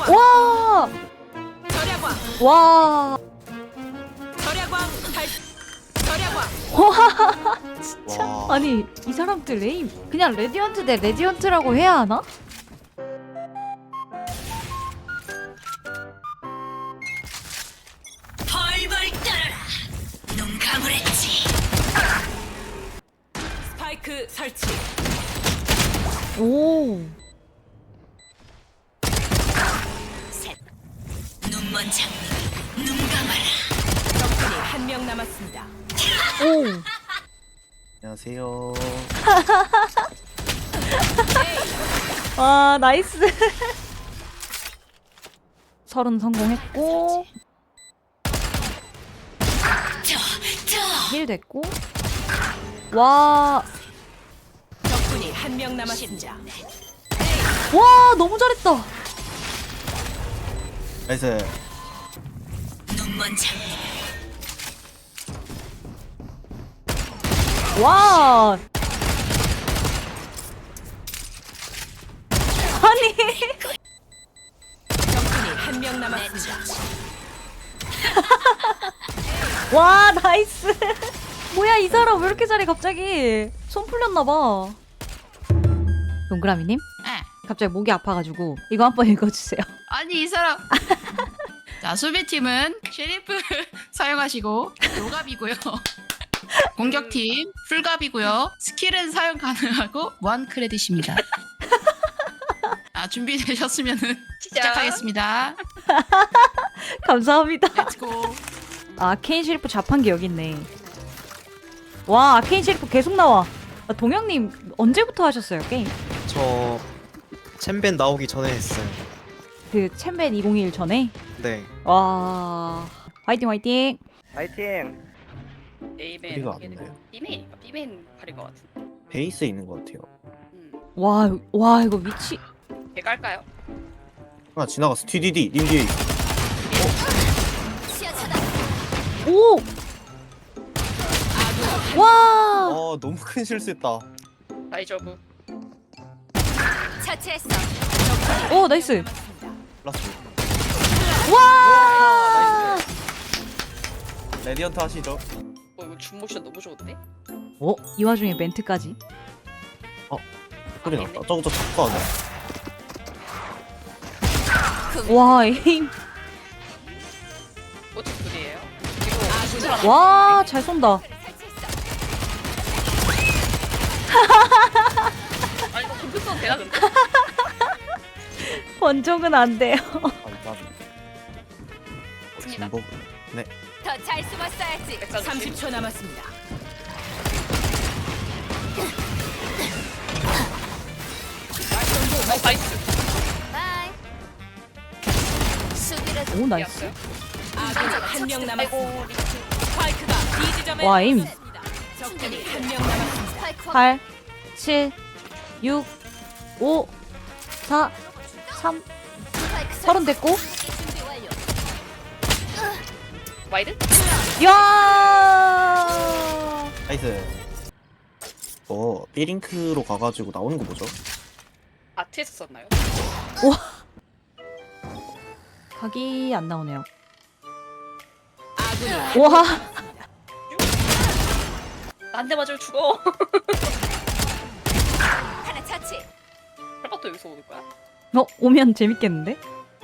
와! 와! 와! 진짜? 와. 아니 이 사람들 에임 그냥 레디언트 대 레디언트라고 해야 하나? 벌벌 떨어라. 눈 감으랬지. 스파이크 설치. 오! 셋. 눈먼 장미. 눈 감아라. 적군이 한 명 남았습니다. 오! 안녕하세요. 와 나이스 30 성공했고 힐 됐고 와 적군이 한 명 남았습니다. 와 너무 잘했다 나이스. 눈먼 장미. 와 아니 적군이 한 명 남았습니다. 와 나이스 뭐야 이 사람 왜 이렇게 잘해 갑자기 손 풀렸나봐 동그라미님 네. 갑자기 목이 아파가지고 이거 한번 읽어주세요 아니 이 사람. 자 수비팀은 쉐리프 사용하시고 노갑이고요. 공격팀 풀갑이고요. 스킬은 사용 가능하고 무한 크레딧입니다. 아 준비되셨으면은 시작하겠습니다. 감사합니다 렛츠고. 아케인 셰리프 자판기 여기 있네. 와 아케인 셰리프 계속 나와. 아, 동영님 언제부터 하셨어요 게임? 저 챔벤 나오기 전에 했어요. 그 챔벤 2021 전에? 네. 와 화이팅 화이팅. 파이팅! A맨 소리가 안 나요. B맨이니까 B맨 팔인 것 같은데. 베이스에 있는 것 같아요. 와 이거 위치. 걔 깔까요? 하나 지나갔어. TDD 님 뒤에. 오. 와. 아 너무 큰 실수했다. 다이저브. 처치했어. 오 나이스. 라스. 와. 레디언트 하시죠. 이거 줌 모션 너무 좋은데? 이 와중에 멘트까지. 소리 났다. 저거 자꾸 안 해. 와 에임. 어째 둘이에요? 와 잘 쏜다. 아 이거 금써도 되나 근데? 번종은 안 돼요. 아 진복. 네. 더 잘 숨었어야지. 30초 남았습니다. 나이스. 바이. 수비를 오 나이스. 아군이 한 명 남았습니다. 스파이크가 B 지점에 와, 에임. 떨어졌습니다. 적군이 한 명 남았습니다. 스파이크 8 7 6 5 4 3 30 됐고. 준비 완료. 와이드? 야! 나이스. B링크로 가가지고 나오는 거 뭐죠? 아트에서 썼나요? 각이 안 나오네요. 아군이 와! 한 대 맞으면 죽어. 하나 처치. 팔바도 여기서 오는 거야? 오면 재밌겠는데?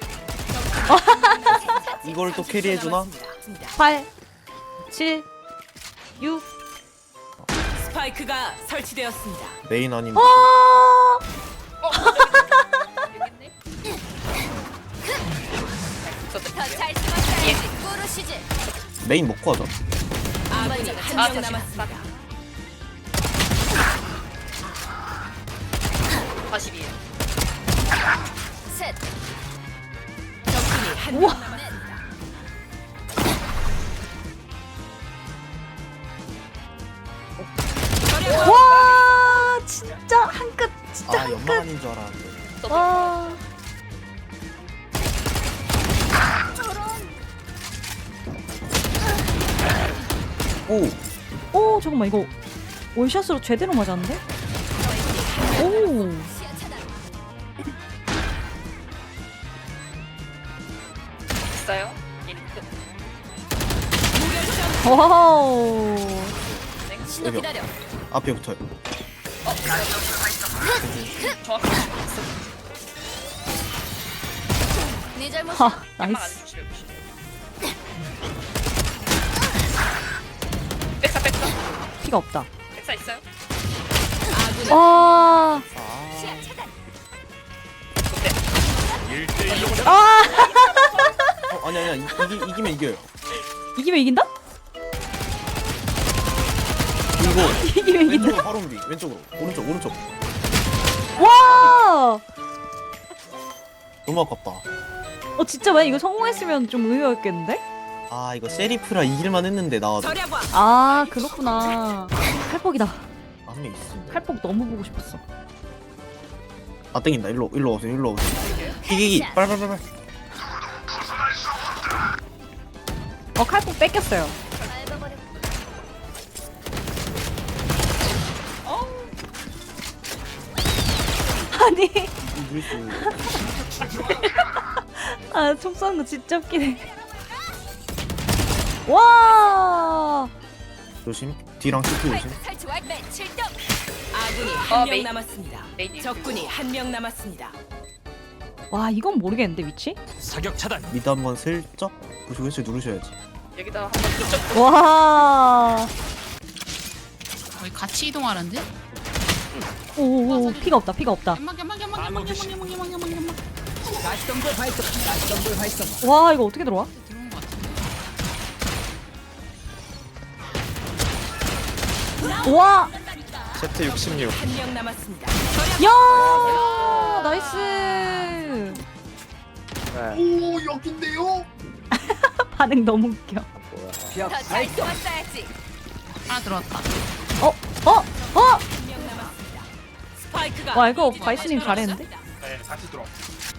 이걸 또 캐리해주나? 8 7 6 스파이크가 설치되었습니다. 메인 아니면 아! 여기있네. 더 잘 숨었어야지. 꾸르시지. 메인 먹고 하자. 아군이 한 명 남았습니다. 42. 셋. 적군이 한 명 남았습니다. 와! 진짜 한 끗. 진짜 아 한 연막 끗. 아닌 줄 알았는데. 와. 오. 오, 잠깐만 이거 원샷으로 제대로 맞았는데? 오. 있어요. 인- 와우. 신호 여기요. 기다려. 앞에 붙어요. 정확히 네 잘못. 하, 양말 안 나이스. 주시려 백사 백사 피가 없다. 백사 있어요? 아군이 와. 시야 차단. 근데 아. 아니야. 이기면 이겨요. 이기면 이긴다? 이거 이기면 이긴다. 왼쪽으로 바로 옮기. 왼쪽으로. 오른쪽. 와. 너무 아깝다. 진짜 만약 이거 성공했으면 좀 의미였겠는데? 아 이거 세리프라 이길만 했는데 나와도 절약왕. 아, 그렇구나. 칼폭이다. 한 명 있습니다. 칼폭 너무 보고 싶었어. 아 땡긴다. 일로 오세요. 기기기. 빨빨빨빨. 칼폭 뺏겼어요. 아니, 뉴스. 총 쏘는 거 진짜 웃기네. 와. 조심. 뒤랑 CT 조심. 설치 완료. 7점. 아군이 어, 한 명 메인. 남았습니다. 메인이 적군이 한 명 남았습니다. 와, 이건 모르겠는데 위치? 사격 차단. 미드 한번 슬쩍 부시고 누르셔야지. 여기다 한번 그쪽 와. 거의 같이 이동하는데? 오, 피가 없다. 연막. 와, 이거 어떻게 들어와? 들어온 것 같은데. 와. Z66. 한 명 남았습니다. 야! 나이스. 오 여긴데요? 반응 너무 웃겨. 더잘 쏘았어야지. 하나 들어왔다. 어? 한 명 남았습니다. 스파이크가 와, 이거 B 바이스님 지점에 잘했는데? 네, 다시 들어.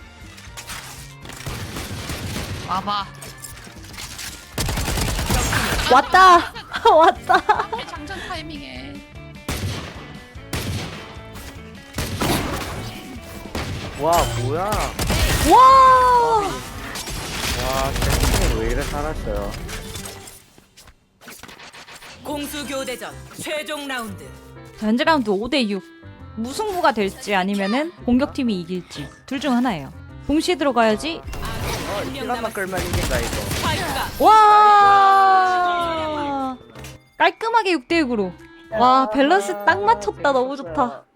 와봐. 왔다. 왔다. 장전 타이밍에. 와 뭐야? 와. 와 땡땡이 왜 이래 살았어요? 공수 교대전 최종 라운드. 현재 라운드 5대6. 무승부가 될지 아니면은 공격팀이 이길지 둘 중 하나예요. 동시에 들어가야지. 한 명 시간만 남았습니다. 끌면 이긴다 이거. 스파이크가 와. 깔끔하게 6대6으로. 와, 밸런스 딱 맞췄다. 너무 좋다.